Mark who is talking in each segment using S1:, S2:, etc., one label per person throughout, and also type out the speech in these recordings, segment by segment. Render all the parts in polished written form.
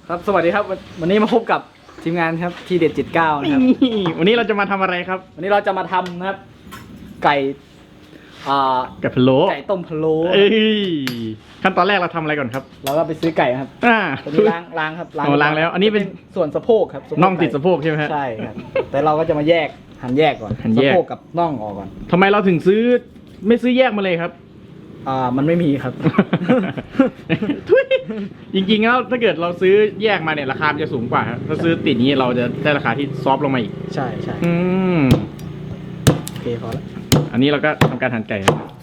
S1: ครับสวัสดีครับวันนี้มาพบกับทีมงานครับทีเด็ด79นะครับ
S2: วันนี้เราจะมาทำอะไรครับ
S1: วันนี้เราจะมาทำนะครับไก่
S2: ไก่พะโล้
S1: ไก่ต้มพะโล้
S2: ขั้นตอนแรกเราทำอะไรก่อนครับ
S1: เราก็ไปซื้อไก่ครับตอนนี้ล้างครับ
S2: ล้างแล้วอันนี้เป็น
S1: ส่วนสะโพกครับ
S2: น่องติดสะโพกใช่ไหม
S1: ใช่ครับแต่เราก็จะมาแยกหั่นแยกก่อนสะโพกกับน่องออกก่อน
S2: ทำไมเราถึงไม่ซื้อแยกมาเลยครับ
S1: มันไม่มีครับ
S2: จริงๆแล้วถ้าเกิดเราซื้อแยกมาเนี่ยราคาจะสูงกว่าถ้าซื้อติดนี้เราจะได้ราคาที่ซอฟต์ลงมาอีก
S1: ใช่โอเคพอแล้ว
S2: อันนี้เราก็ทำการหั่นไก่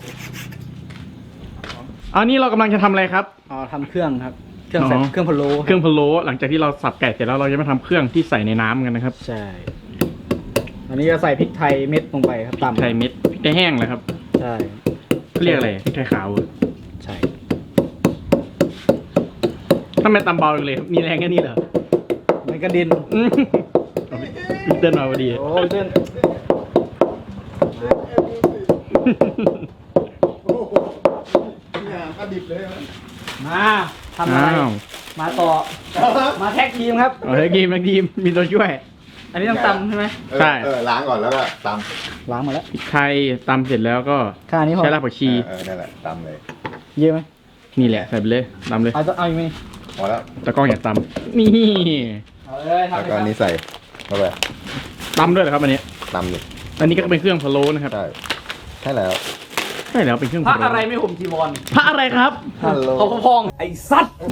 S2: อันนี้เรากำลังจะทำอะไรครับ
S1: ทำเครื่องครับเครื่องพะโล้
S2: หลังจากที่เราสับไก่เสร็จแล้วเราจะมาทำเครื่องที่ใส่ในน้ำกันนะครับ
S1: ใช่อันนี้จะใส่พริกไทยเม็ดลงไปครับตำ
S2: พริกไทยเม็ดพริกไทยแห้งเลยครับ
S1: ใช่
S2: เรียกอะไรพริกไทยขาว
S1: ใช่
S2: ทำไมตำเบาเลยมีแรงแค่นี้เหรอ
S1: มันกระดิน
S2: เต้นมาพอดี
S1: โอ้เต้นมาทำอะไรมาต่อมาแท็กทีมครับ
S2: แท็กทีมมีตัวช่วย
S1: อันนี้ต้องตำใช่ไหม
S2: ใช่
S3: ล้างก่อนแล้วก็ต
S1: ำล้างมาแล้ว
S2: พริกไทยตำเสร็จแล้วก็
S1: ข้าวนี้
S2: ใช้รากผักชี
S3: นั่นแหละตำเลย
S1: เยอะไหม
S2: นี่แหละใส่ไปเลยตำเลย
S1: เอาอีกไหม
S3: พอแล้ว
S2: ตะกร้องอยากตำนี่
S3: แล้วก็นี้ใส่เข้าไป
S2: ตำด้วยเหรอครับอันนี้
S3: ตำเลย
S2: อันนี้ก็เป็นเครื่องพะโล้นะครับ
S3: ใช่แล้ว
S2: เป็นเครื่อง
S1: พระอะไรไม่ห่มจีวร
S2: พระอะไรครับ
S1: เขาพองไอ้สัตว์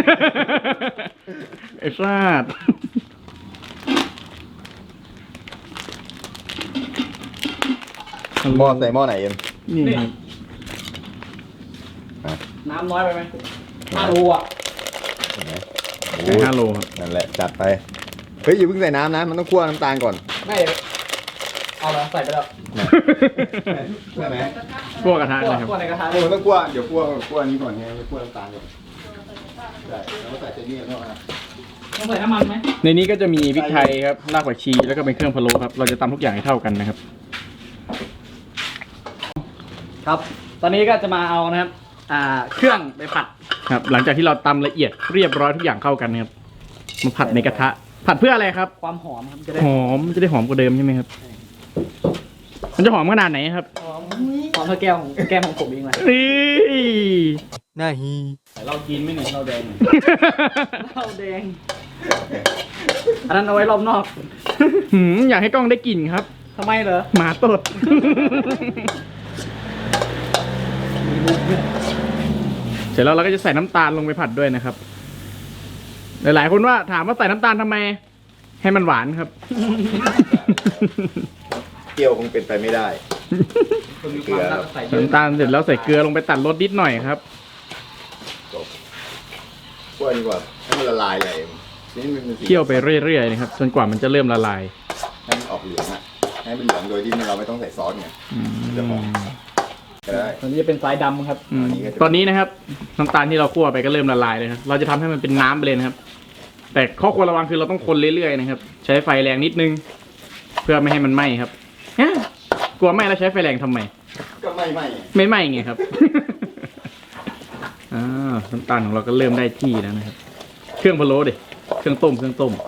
S2: ไอ้สัตว์
S3: หม้อใส่หม้อไหนเอ็ม
S2: นี่
S1: น้ำน้อยไปไหม5 โลอ่ะ
S2: 5 โลครับ
S3: นั่นแหละจัดไปเฮ้ยอย่าเพิ่งใส่น้ำนะมันต้องคั่วน้ำตาลก่อน
S1: ไม่เอาแล้วใส่ไปแล้ว
S3: ใช่ไหม
S2: คั่วกระทะนะครับ
S1: คั่วในกระทะ
S3: มันต้องคั่วเดี๋ยวคั่วนี้ก่อนไงคั่วน้ำตาลก่อนใช่แล้วใส่เจนี่เข้ามา
S1: ต้องใส่น้ำมันไหม
S2: ในนี้ก็จะมีพริกไทยครับรากผักชีแล้วก็เป็นเครื่องพะโล้ครับเราจะตำทุกอย่างให้เท่ากันนะครับ
S1: ครับตอนนี้ก็จะมาเอานะครับเครื่องไปผัด
S2: ครับหลังจากที่เราตำละเอียดเรียบร้อยทุกอย่างเข้ากันนะครับมาผัดในกระทะผัดเพื่ออะไรครับ
S1: ความหอมครับ
S2: จะได้หอมกว่าเดิมใช่ไหมครับมันจะหอมขนาดไหนครับ
S1: หอมเท่าแก้มของผมเองเลย
S2: น่าฮี
S1: เรากินไม่เหมือนเราแดงอันนั้นเอาไว้รอบนอก
S2: อยากให้กล้องได้กลิ่นครับ
S1: ทำไมเหรอ
S2: หมาตดเสร็จแล้วเราก็จะใส่น้ำตาลลงไปผัดด้วยนะครับหลายๆคนว่าถามว่าใส่น้ำตาลทำไมให้มันหวานครับ
S3: เกี๊ยวคงเป็นไปไม่ได้
S1: เกลือ
S2: น้ำตาลเสร็จแล้วใส่เกลือลงไปตัดรสนิดหน่อยครับ
S3: คั่วดีกว่าให้มันละลายเลย
S2: เคี่ยวไปเรื่อยๆนะครับจนกว่ามันจะเริ่มละลาย
S3: ให้มันออกเหลืองอ่ะให้มันเหลืองโดยที่เราไม่ต้องใส่ซอสไงจะหอม
S1: ตอนนี้จะเป็นสายดำครับ
S2: ตอนนี้นะครับน้ำตาลที่เราคั่วไปก็เริ่มละลายเลยครับเราจะทำให้มันเป็นน้ำไปเลยนะครับแต่ข้อควรระวังคือเราต้องคนเรื่อยๆนะครับใช้ไฟแรงนิดนึงเพื่อไม่ให้มันไหม้ครับกลัวไหม้แล้วใช้ไฟแรงทำไม
S3: ก็ไม่ไห
S2: ม้ไงครับน้ำตาลของเราก็เริ่มได้ที่แล้วนะครับเครื่องพะโล้ดิเครื่องต้ม
S3: หอ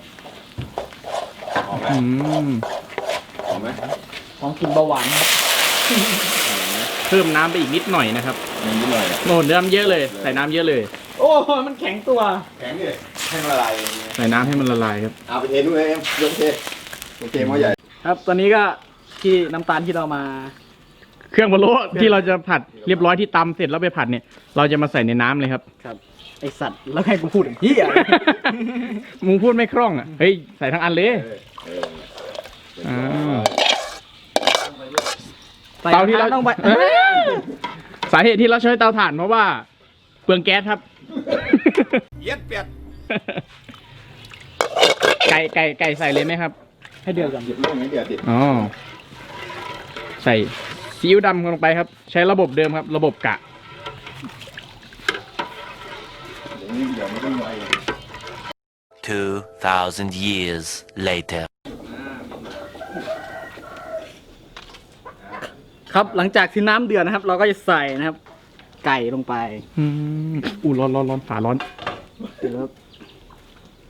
S3: มไหม
S1: ของกินเบาหวาน
S2: เพิ่มน้ำไปอีกนิดหน่อยนะครับ
S3: นิดหน่อย
S2: โน่นน้ำเยอะเลยใส่น้ำเยอะเลย
S1: โอ้มันแข็งตัว
S3: แข็งเลยให้มันละลาย
S2: ใส่น้ำให้มันละลายครับ
S3: เอาไปเทนู่นเลยโอเคหม้อใหญ่
S1: ครับตอนนี้ก็ที่น้ำตาลที่เรามา
S2: เครื่องพะโล้ที่เราจะผัดเรียบร้อยที่ตำเสร็จแล้วไปผัดเนี่ยเราจะมาใส่ในน้ำเลยครับ
S1: ไอสัตว์แล้วให้กูพูดอย่างนี้อ่ะ
S2: มึงพูดไม่คล่องอ่ะเฮ้ยใส่ทั้งอันเลยเตาที่เราต้องไปสาเหตุที่เราใช้เตาถ่านเพราะว่าเปลืองแก๊สครับ
S3: เย็ดเปียด
S2: ไก่ใส่เลยไหมครับ
S1: ให้เดือดก่อน
S3: เดือดติด
S2: ใส่ซีอิ๊วดำลงไปครับใช้ระบบเดิมครับระบบกะ
S4: 2,000 years later
S1: ครับหลังจากที่น้ำเดือดนะครับเราก็จะใส่นะครับไก่ลงไป
S2: ร้อนฝาร้อน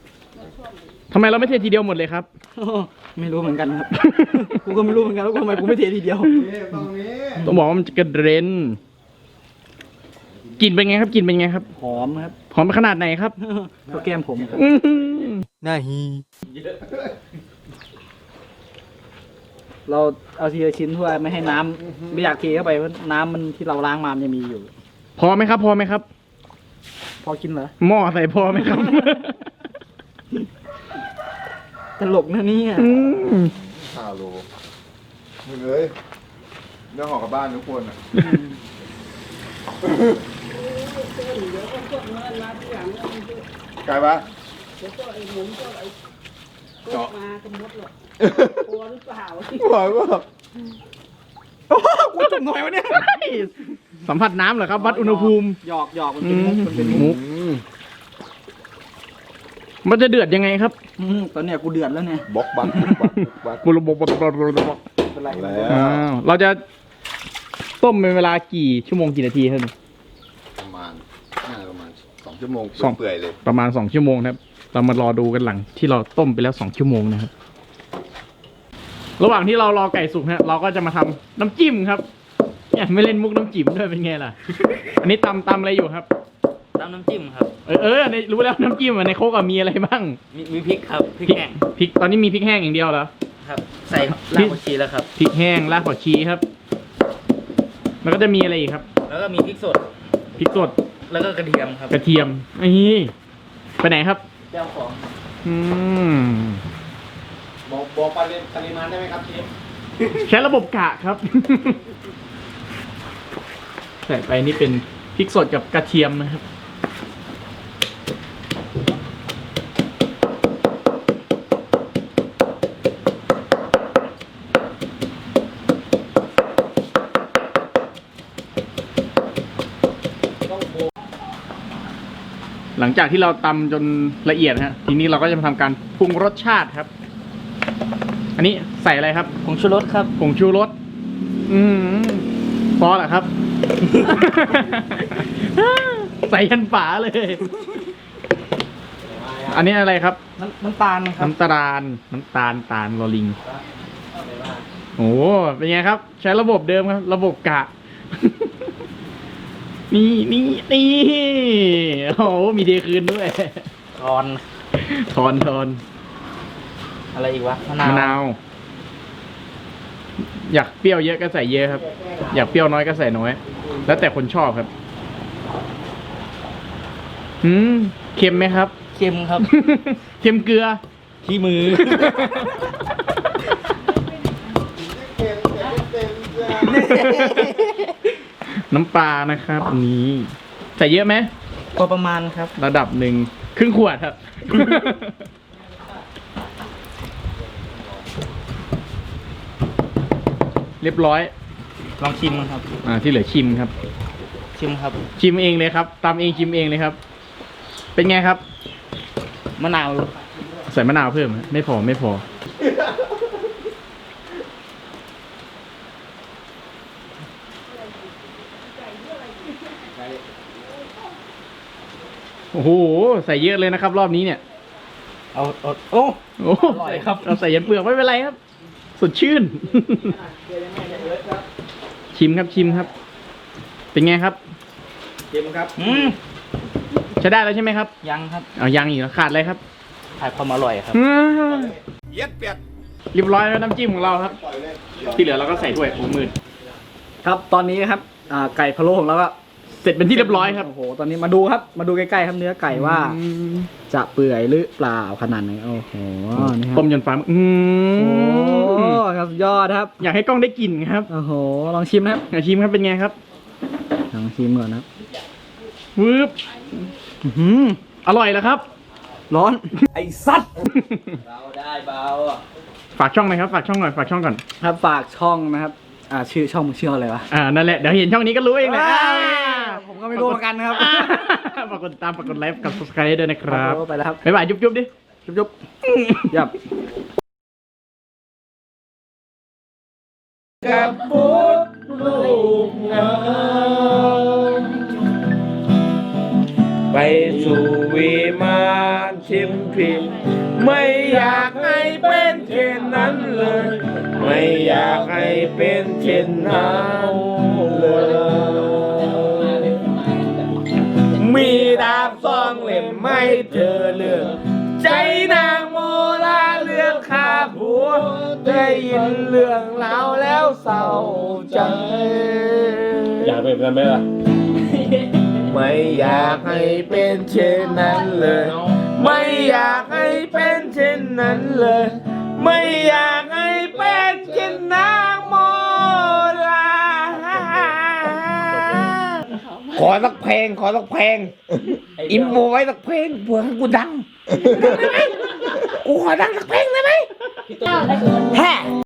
S2: ทำไมเราไม่เททีเดียวหมดเลยครับ
S1: ไม่รู้เหมือนกันครับ กูก็ไม่รู้เหมือนกันว่าทำไมกูไม่เททีเดียว
S3: นี่ตรงนี้
S2: ต้องบอกว่ามันจะกระเด็นกลิ่นเป็นไงครับกลิ่นเป็นไงครับ
S1: หอมครับ
S2: หอมขนาดไหนครับ
S1: ก็แก้มผมครับ
S2: อื้อหือ
S1: น่าฮีเราเอาทีละชิ้นเพื่อไม่ให้น้ำไม่อยากเทเข้าไปเพราะน้ำมันที่เราล้างมามันยังมีอยู่
S2: พอไหมครับ พอไหมครับ
S1: พอกินเหรอ
S2: หม้อใส่พอไหมครับ
S1: ตลกนะเนี่ย
S2: อืม
S3: 5 โลมึงเอ้ยเรื่องของกับบ้านทุกคนอ่ะไกลปะเจาะมาก็มดหรอกกลัวหรือเปล่า
S2: กูจุ่มหน่อยวะเนี่ยสัมผัสน้ำเหรอครับ วัดอุณหภูมิ
S1: หยอกมันเป็นมุกมันเป็นมุก
S2: มุกมันจะเดือดยังไงครับ
S1: ตอนเนี้ยกูเดือดแล้วเนี่ย
S3: บล็อกบัก
S2: บุรบก
S1: เป็นไร
S3: แล้ว
S2: เราจะต้มเป็นเวลากี่ชั่วโมงกี่นาทีครับ
S3: ประมาณ2 ชั่วโมง
S2: สอง
S3: เปื่อยเลย
S2: ประมาณ2 ชั่วโมงนะครับ เรามารอดูกันหลังที่เราต้มไปแล้ว2 ชั่วโมงนะครับ ระหว่างที่เรารอไก่สุกนะเราก็จะมาทำน้ำจิ้มครับเนี่ยไม่เล่นมุกน้ำจิ้มด้วยเป็นไงล่ะ อันนี้ตำอะไรอยู่ครับ
S5: ตำน้ำจิ้มครับ
S2: ในรู้แล้วน้ำจิ้มในโคกมีอะไรบ้าง
S5: มีพริกครับ พริกแห้ง
S2: พริกตอนนี้มีพริกแห้งอย่างเดียวเหรอ
S5: ครับ ใส่รากผักชีแล้วครับ
S2: พริกแห้งรากผักชีครับ แล้วก็จะมีอะไรอีกครับ
S5: แล้วก็มีพริกสด
S2: พริกสด
S5: แล้วก็กระเทียมครับ
S2: กระเทียมนี่ไปไหนครับ
S5: แก้วของ
S2: อืม
S1: บอกปริมาณได้ไหมครับเชฟ
S2: ใช้ระบบกะครับ ใส่ไปนี่เป็นพริกสดกับกระเทียมนะครับ หลังจากที่เราตำจนละเอียดฮะ ทีนี้เราก็จะมาทำการปรุงรสชาติครับ อันนี้ใส่อะไรครับ
S1: ผงชูรสครับ
S2: ผงชูรสพอเหรอครับ ใส่ยันฝาเลย อันนี้อะไรครับ
S1: น้ำตาลครับ
S2: น้ำตาลลอลิง โอ้เป็นไงครับ ใช้ระบบเดิมครับ ระบบกะ นี่โอ้โหมีเทคืนด้วย
S5: ทอน
S2: ทอน
S5: อะไรอีกวะ มะ
S2: มะ
S5: นาน
S2: าว ว อยากเปรี้ยวเยอะก็ใส่เยอะครับ อยากเปรี้ยวน้อยก็ใส่น้อย แล้วแต่คนชอบครับเค็มไหมครับ
S5: เค็มครับ
S2: เค็มเกลือ
S5: ขี้มือ
S2: น้ำปลานะครับนี่ใส่เยอะไหม
S1: พอประมาณครับ
S2: ระดับหนึ่งครึ่งขวดครับ เรียบร้อย
S5: ลองชิมครับ
S2: ที่เหลือชิมครับ
S5: ชิมครับ
S2: ชิมเองเลยครับตำเองชิมเองเลยครับ เป็นไงครับ
S5: มะนาว
S2: ใส่มะนาวเพิ่มไหมไม่พอโอ้โหใส่เยอะเลยนะครับ รอบนี้เนี่ย
S5: โอ้
S2: โอ้
S5: อร่อยครับ
S2: เราใส่ยันเปลือกไม่เป็นไรครับ สดชื่น ชิมครับ เป็นไงครับ
S1: เค็มครับ
S2: ใช้ได้แล้วใช่ไหมครับ
S5: ยังครับ
S2: เอายังอีกเหรอขาดอะไรครับ
S5: ถ่ายความอร่อยครับ
S3: เย็ดเปียด
S2: เรียบร้อยแล้วน้ำจิ้มของเราครับ ที่เหลือเราก็ใส่ถ้วยโอ้มืด
S1: ครับตอนนี้ครับไก่พะโล้ของเราก็
S2: เสร็จเป็นที่เรียบร้อยครับ
S1: โอ้โหตอนนี้มาดูครับ มาดูใกล้ๆครับเนื้อไก่ว่า จะเปื่อยหรือเปล่าขนาดไหนโอ้โหนี่ครับ
S2: ต้มจนฟ้าโอ้
S1: โอ้ครับยอดครับ
S2: อยากให้กล้องได้กลิ่นครับ
S1: โอ้โหลองชิมนะครับ
S2: อยากชิมครับเป็นไงครับ
S1: ลองชิมก่อนนะครับ
S2: วืบอร่อยแล้วครับ
S1: ร้อน
S2: ไอ้สัตว์
S5: เบาได้เบา
S2: ฝากช่องหน่อยครับฝากช่องก่อน
S1: ครับฝากช่องนะครับชื่อช่องมึงชื่ออะไรวะ
S2: นั่นแหละเดี๋ยวเห็นช่องนี้ก็รู้เองแหละ
S1: ผมก็ไม่รู้เหมือนกันครับ
S2: ฝากกดติดตามฝากกดไลค์กับ subscribe ด้วยนะครับ
S1: ไปแล้วครับ
S2: บ๊ายบายจุ๊บดิ
S1: จุ๊บยับ
S6: กับพุทธลูกงามไปสู่วิมานชิมพิมไม่อยากให้เป็นเช่นนั้นเลย ไม่อยากให้เป็นเช่นนั้นเลยมีดาบสองเล่มไม่เจอเลือกใจนางโมลาเลือกฆ่าผัวได้ยินเรื่องราวแล้วเศร้าใจอยากเป็นกันไหมล่ะ ไม่อยากให้เป็นเช่นนั้นเลย ไม่อยากให้เป็นเช่นนั้นเลย ไม่อยากให้เป็นเช่นนางโมลาขอสักเพลงอิมโมไว้สักเพลงเพื่อให้กูดัง กูขอดังสักเพลงได้ไหมแฮ่